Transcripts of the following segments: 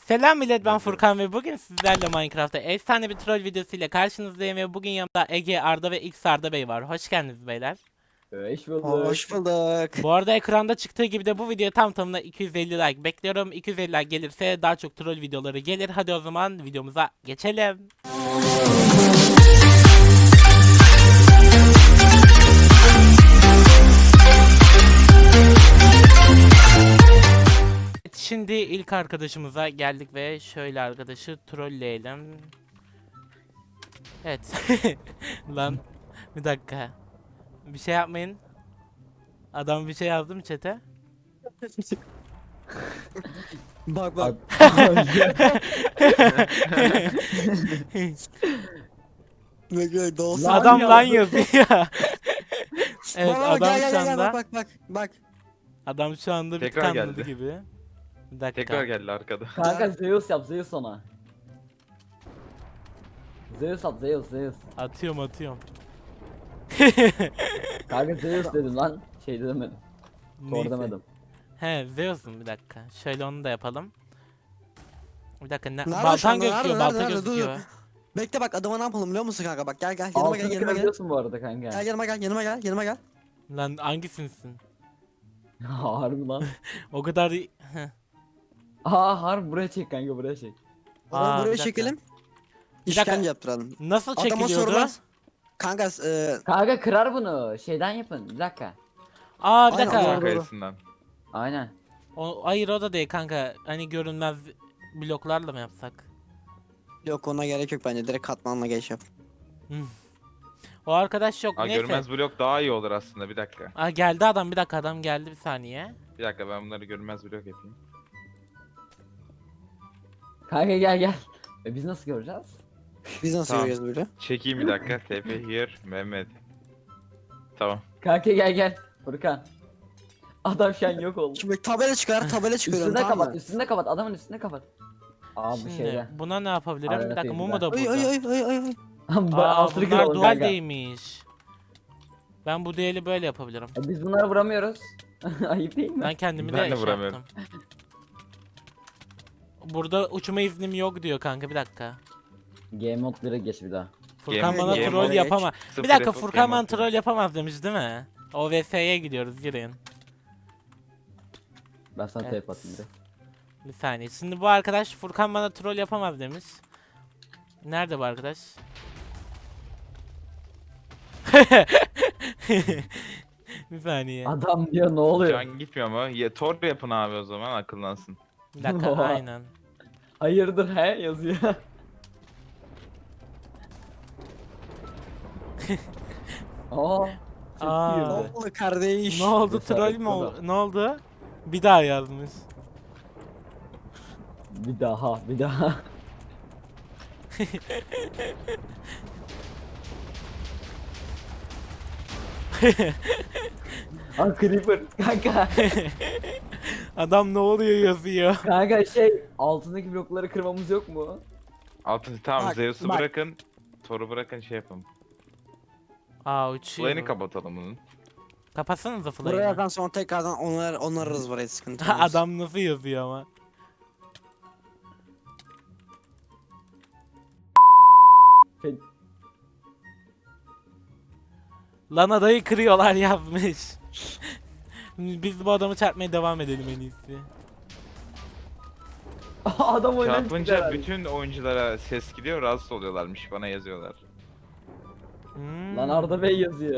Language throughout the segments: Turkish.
Selam millet, ben Furkan ve bugün sizlerle Minecraft'ta efsane bir troll videosuyla karşınızdayım ve bugün yanımda Ege, Arda ve X Arda Bey var. Hoş geldiniz beyler. Hoş bulduk. Hoş bulduk. Bu arada ekranda çıktığı gibi de bu video tam tamına 250 like bekliyorum. 250 like gelirse daha çok troll videoları gelir. Hadi o zaman videomuza geçelim. Şimdi ilk arkadaşımıza geldik ve şöyle arkadaşı trolleyelim. Evet. Lan bir dakika. Bir şey yapmayın. Adam bir şey yazdı mı chat'e? Bak bak. Bak doğusu. Lan Adam lan yazdı. yazıyor. Evet, Bak, adam gel, şu gel, anda bak. adam şu anda bir Tekrar tıkanladı geldi. gibi. Bir dakika. Tekrar geldi arkada. Kanka Zeus yap Zeus ona. Zeus at Zeus. Atıyorum. Kanka Zeus dedim lan. Şey demedim. Thor Neyse. demedim. He, Zeus'un bir dakika. Şöyle onu da yapalım. Bir dakika, Nerede şu baltan anda? gözüküyor, Nerede? balta Dur, gözüküyor. Bekle bak adama ne yapalım biliyor musun kanka bak gel yanıma Altını gel. kırabiliyorsun bu arada kanka. Gel yanıma gel. Lan hangisinsin? Harbi lan. O kadar... Aa harbi buraya çek kanka buraya çek. Adamı Aa, bir buraya dakika. çekelim. Bir dakika. İşkence yaptıralım. Nasıl Adama çekiliyordu? sormaz. Kanka Kanka kırar bunu. Şeyden yapın. Bir dakika. Aa, bir Aynen, dakika. doğru. Kayısından. Aynen. Hayır, o da değil kanka. Hani görünmez bloklarla mı yapsak? yok ona gerek yok bence direkt katmanla geç yap. O arkadaş yok. Aa, Neyse. görünmez blok daha iyi olur aslında, bir dakika. Aa, geldi adam, bir dakika, adam geldi, bir saniye. Bir dakika, ben bunları görünmez blok yapayım. Kanka gel. Biz nasıl göreceğiz? Biz nasıl Tamam. görüyoruz böyle? Çekeyim bir dakika. TP here Mehmet. Tamam. Kanka gel. Furkan. Adam şu an yok oldu. Şimdi tabela çıkarıyorum Üstünde tamam kapat, mı? üstünde kapat. Adamın üstünde kapat. Aa bu Şimdi şeyde. buna ne yapabilirim? Bir dakika, Arada Mumu da Ay burada. ay. Aa, Altını bunlar kıralım dual kanka. değilmiş. Ben bu değeri böyle yapabilirim. Biz bunları vuramıyoruz. Ayıp değil mi? Ben kendimi Ben de de şey vuramıyorum. yaptım. Burada uçma iznim yok diyor kanka, bir dakika. Game mode 1'e geç bir daha. Furkan Game- bana game troll mode'a yapamaz. Sıfır Bir dakika, F- Furkan game bana mode troll yapamaz demiş değil mi? OVS'ye gidiyoruz, girin. Ben sana Evet. tape atayım bir. Bir saniye. Şimdi bu arkadaş Furkan bana troll yapamaz demiş. Nerede bu arkadaş? Bir saniye. Adam diyor ne Şu oluyor? an gitmiyor mu? Ya, Tor yapın abi o zaman, akıllansın. Bir dakika, Oha. aynen. Hayırdır he yazıyor. Aa. Aa. Ne Çekiyor. oldu kardeş? Ne oldu, Cesaret troll mü bu da. oldu? Ne oldu? Bir daha yazmış. Bir daha. Aa creeper kanka. Adam ne oluyor yazıyor. Kanka şey altındaki blokları kırmamız yok mu? Altın tamam, Bak, Zeus'u bak. bırakın. Thor'u bırakın, şey yapın. Aa, uçuyor. Fly'ını kapatalım bunun. Kapatsanıza Buraya fly'ını. yazan sonra tekrardan onarırız burayı sıkıntı olmaz. Adam nasıl yazıyor ama. Fe- Lan adayı kırıyorlar yazmış. Biz bu adamı çarpmaya devam edelim en iyisi. Adam oyundan çıktı Çarpınca herhalde. bütün oyunculara ses gidiyor, rahatsız oluyorlarmış, bana yazıyorlar. Hmm. Lan Arda Bey yazıyor.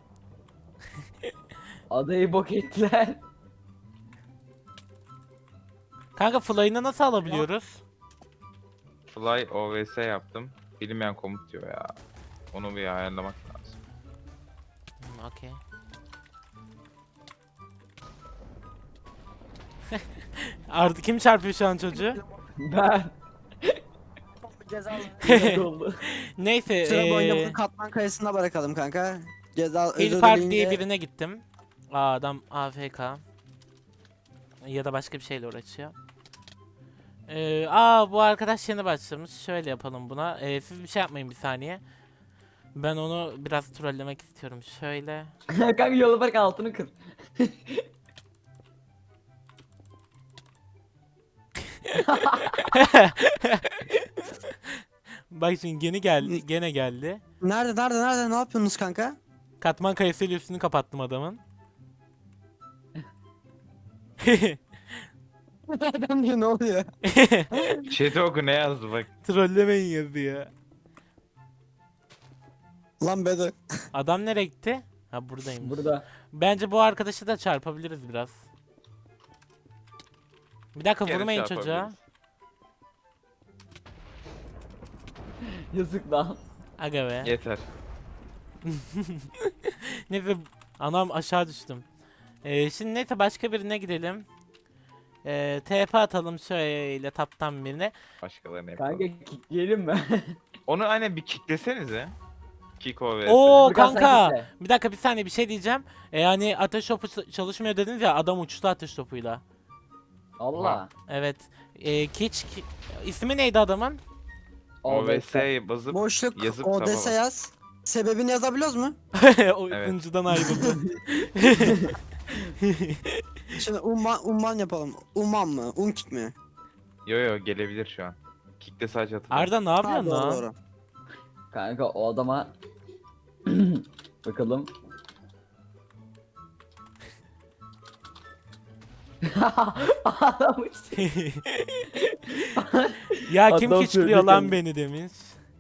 Adayı bok ettiler. Kanka fly'ını nasıl alabiliyoruz? Fly OVS yaptım. Bilinmeyen komut diyor ya. Onu bir ayarlamak lazım. Okey. Artık kim çarpıyor şu an çocuğu? Ben. Cezalı. Yok oldu. Neyse, Sıra boyunca bunu katman kayısına bırakalım kanka. Ceza Hill özür Park dileyince diye birine gittim. Aa, adam AFK. Ya da başka bir şeyle uğraşıyor. Bu arkadaş yeni başlamış. Şöyle yapalım buna. Siz bir şey yapmayın, bir saniye. Ben onu biraz trollemek istiyorum. Şöyle. Kanka yola bak altını kır. Bak şimdi gene geldi. Nerede ne yapıyorsunuz kanka? Katman kayasıyla üstünü kapattım adamın. Adam diyor ne oluyor? Chat'e oku ne yazdı bak. Trollemeyin yazıyor. Lan Bedo. Adam nereye gitti? Ha buradayım. Burada. Bence bu arkadaşı da çarpabiliriz biraz. Bir dakika Geri vurmayın çocuğa. çarpabiliriz. Yazık lan. Aga be. Yeter. Neyse anam aşağı düştüm. Şimdi neyse başka birine gidelim. TP atalım şöyle taptan birine. Başkalarını yapalım. Kanka kickleyelim mi? Onu aynen bir kicklesenize. Kick OVS. Oo Furkan, sen kanka. kickle. Bir dakika bir saniye bir şey diyeceğim. Yani ateş topu çalışmıyor dediniz ya adam uçtu ateş topuyla. Allah. Evet. İsmi neydi adamın? OVS basıp Boşluk yazıp ODS taba bas. yaz. Sebebini yazabiliyoruz mu? O Evet. sunucudan ayrıldı. Şimdi umman yapalım. Umman mı? Unkik mi? Yo gelebilir şu an. Kick'te sadece hatırlıyorum. Arda ne yapıyorsun doğru, lan? doğru. Kanka o adama bakalım. Adam uçtu. Ya kim Adam küçülüyor lan söyledi beni demiş.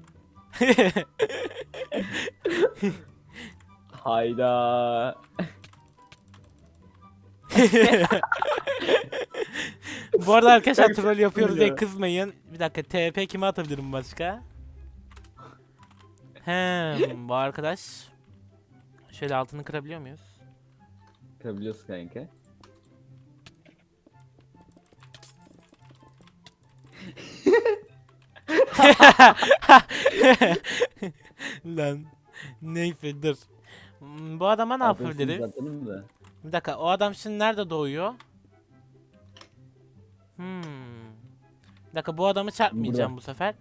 Hayda. Bu arada arkadaşlar Kanka, troll yapıyoruz diye ya. kızmayın. Bir dakika TP kime atabilirim başka? Bu arkadaş. Şöyle altını kırabiliyor muyuz? Kırabiliyorsun kanka. Lan. Neyse dur. Bu adama ne yapabiliriz? Zaten de. Bir dakika o adam şimdi nerede doğuyor? Bir dakika bu adamı çarpmayacağım bu sefer.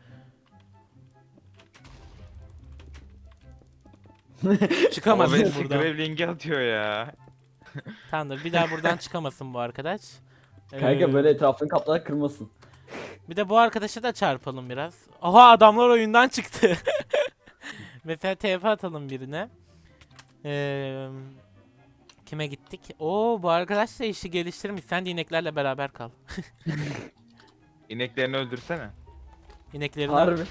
Çıkamazsın OVS buradan. Graveling'i atıyor ya. Tamamdır bir daha buradan çıkamasın bu arkadaş. Kanka Ee, böyle etrafını kaplarak kırmasın. Bir de bu arkadaşa da çarpalım biraz. Oha adamlar oyundan çıktı. Mesela TP atalım birine. Kime gittik? Oo bu arkadaş da işi geliştirmiş. Sen de ineklerle beraber kal. İneklerini öldürsene. İneklerini. Harbi.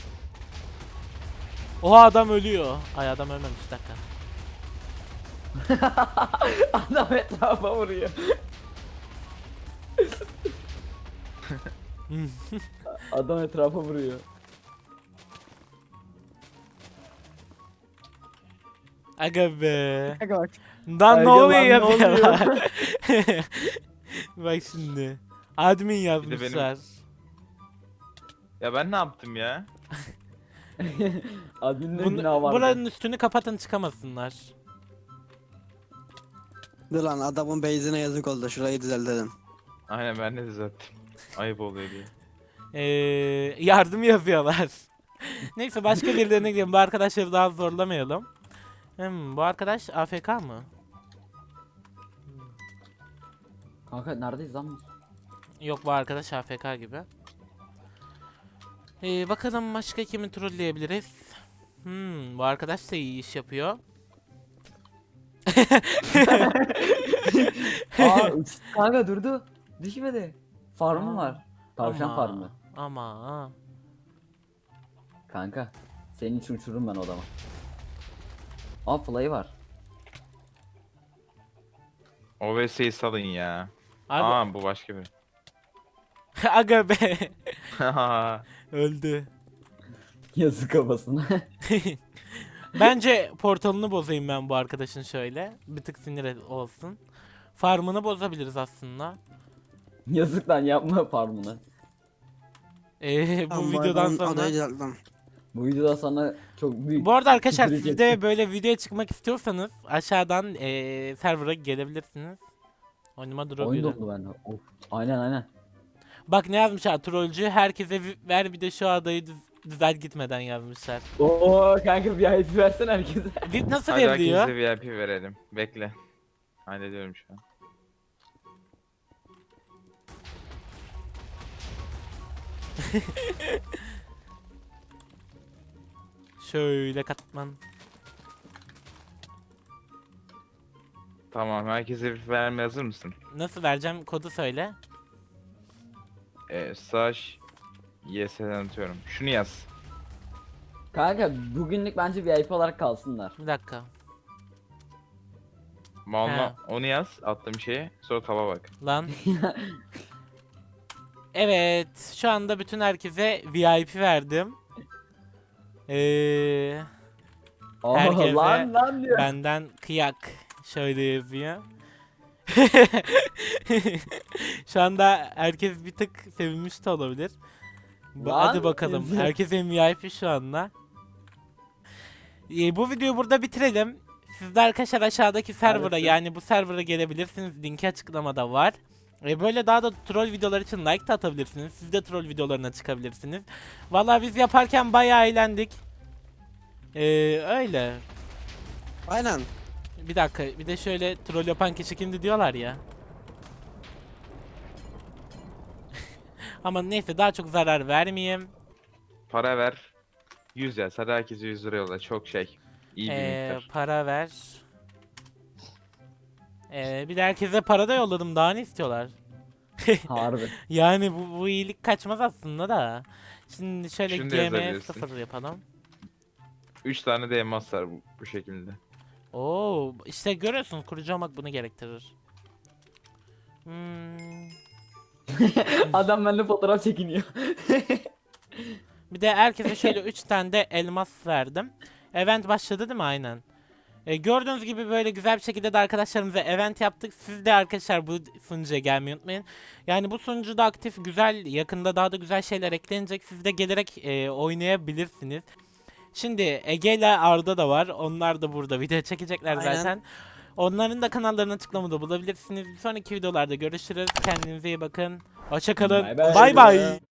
Oha adam ölüyor. Ay adam ölmemiş bir dakika. Adam etrafa vuruyor. Adam etrafa vuruyor. Aga be. Kanka bak. Lan ne Aga oluyor lan, ya ne oluyor? Bak şimdi. Admin yazmışlar. Ya ben ne yaptım ya? Admin'de günah var. Buranın üstünü kapatın çıkamasınlar. Dur lan adamın base'ine yazık oldu. Şurayı düzeltelim. Aynen ben de düzelttim. Ayıp oluyor diye. Yardım yazıyorlar. Neyse başka birilerine gidelim. Bu arkadaşları daha zorlamayalım. Bu arkadaş AFK mı? Kanka neredeyiz lan? Yok bu arkadaş AFK gibi. Bakalım başka kimi trolleyebiliriz? Bu arkadaş da iyi iş yapıyor. Aa kanka durdu. Düşmedi. Farmı var. Tavşan Ama- farmı. Ama Kanka senin için uçururum ben odama. Aa fly var. OVS'yi salın ya. abi Aa bu başka biri. aga be öldü. Yazık kafasına. Bence portalını bozayım ben bu arkadaşın şöyle. Bir tık olsun. Farmını bozabiliriz aslında. Yazık lan yapma farmını. Bu Tamam, videodan adamın sonra. adayı düzelttim. Bu videoda sana çok büyük. Bu arada arkadaşlar küfür siz de böyle videoya çıkmak istiyorsanız aşağıdan server'a gelebilirsiniz. Oyunuma Oyun durabilirim. dondu bende. Of. Aynen. Bak ne yazmışlar trollcü herkese ver bir de şu adayı düzelt gitmeden yazmışlar. Oo kanka bir ayet versene herkese. Nasıl Hadi veriliyor? herkese VIP verelim. Bekle. Hallediyorum şu an. Şöyle katman. Tamam, herkese bir vermeye hazır mısın? Nasıl vereceğim? Kodu söyle. Slash YS'den atıyorum. Şunu yaz. Kanka bugünlük bence VIP olarak kalsınlar. Bir dakika. Malına onu yaz attığım şeye. Sonra taba bak. Lan. Evet. Şu anda bütün herkese VIP verdim. Herkese Lan diyor. benden kıyak. Şöyle yazıyor. Şu anda herkes bir tık sevinmiş de olabilir. Lan Hadi bakalım. yazıyor. Herkesin VIP şu anda. Bu videoyu burada bitirelim. Siz de arkadaşlar aşağıdaki server'a Maalesef. yani bu server'a gelebilirsiniz. Linki açıklamada var. Böyle daha da troll videolar için like de atabilirsiniz. Siz de troll videolarına çıkabilirsiniz. Vallahi biz yaparken bayağı eğlendik. Öyle. Aynen. Bir dakika, bir de şöyle troll yapan kişi kimdi diyorlar ya. Ama neyse daha çok zarar vermeyeyim. Para ver. 100 yaz. Hadi herkese 100 lira yolla. Çok şey. İyi bir miktar. Para ver. Bir de herkese para da yolladım. Daha ne istiyorlar? Harbi. Yani bu iyilik kaçmaz aslında da. Şimdi şöyle Şunu da GM yazabilirsin. 0 yapalım. 3 tane de elmas var bu şekilde. Oo, işte görüyorsunuz kurucu olmak bunu gerektirir. Hmm. Adam benimle fotoğraf çekiniyor. Bir de herkese şöyle 3 tane de elmas verdim. Event başladı değil mi? Aynen. Gördüğünüz gibi böyle güzel bir şekilde de arkadaşlarımıza event yaptık. Siz de arkadaşlar bu sunucuya gelmeyi unutmayın. Yani bu sunucuda aktif, güzel, yakında daha da güzel şeyler eklenecek. Siz de gelerek oynayabilirsiniz. Şimdi Ege ile Arda da var. Onlar da burada video çekecekler Aynen. zaten. Onların da kanallarını açıklamada bulabilirsiniz. Bir sonraki videolarda görüşürüz. Kendinize iyi bakın. Hoşça kalın. Bay bay. Bay bay.